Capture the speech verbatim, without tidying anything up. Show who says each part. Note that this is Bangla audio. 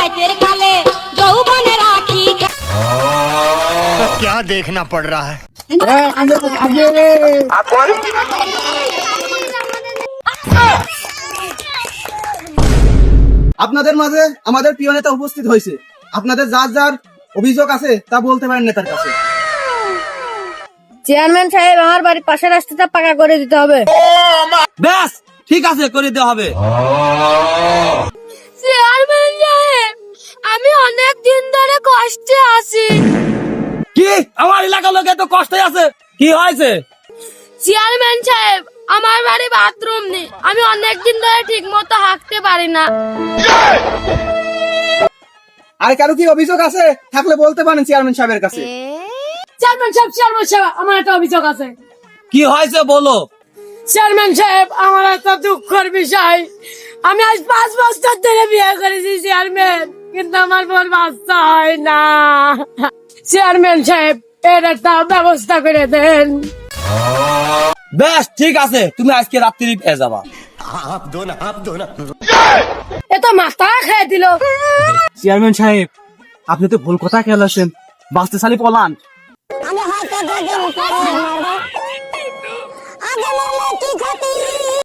Speaker 1: রাতের কালে যৌবনে রাখি।
Speaker 2: क्या देखना पड़ रहा है?
Speaker 3: আপনাদের মাঝে আমাদের প্রিয় নেতা উপস্থিত হয়েছে। আপনাদের যার যার অভিযোগ আছে তা বলতে পারেন নেতার কাছে।
Speaker 4: চেয়ারম্যান সাহেব, আমার বাড়ির পাশের রাস্তাটা পাকা করে দিতে হবে।
Speaker 3: ব্যাস ঠিক আছে, করে দেওয়া হবে।
Speaker 4: চেয়ারম্যান সাহেব, আমি অনেক দিন ধরে কষ্টে আছি।
Speaker 3: কি আমার এলাকার লোক এত কষ্টে আছে? কি হয়েছে?
Speaker 4: চেয়ারম্যান সাহেব, আমার বাড়ি বাথরুম নেই, আমি অনেক দিন ধরে ঠিক মতো হাঁটতে পারি না।
Speaker 3: আর কারো কি অভিযোগ আছে থাকলে বলতে পারেন চেয়ারম্যান সাহেবের কাছে।
Speaker 4: চেয়ারম্যান সাহেব, চেয়ারম্যান সাহেব, আমার একটা অভিযোগ আছে।
Speaker 3: কি হয়েছে বলো।
Speaker 4: চেয়ারম্যান সাহেব, আমার একটা দুঃখের বিষয়, আমি আজ পাঁচ বছর ধরে বিয়ে করেছি চেয়ারম্যান, কিন্তু আমার বোন বাচ্চা হয় না। চেয়ারম্যান সাহেব, এর একটা ব্যবস্থা করে দেন।
Speaker 3: বেশ ঠিক আছে, তুমি আজকে রাত্রি পেয়ে যাবা।
Speaker 2: आप दो ना, आप दो ना।
Speaker 4: এ তো মাথা খেয়ে দিল।
Speaker 3: চেয়ারম্যান সাহেব, আপনি তো ভুল কথা খেলাছেন, বাঁচতে সালি পলান।
Speaker 1: আমি হয়তো দুদিন পরে মরবো, আগে মরলে কি ক্ষতি?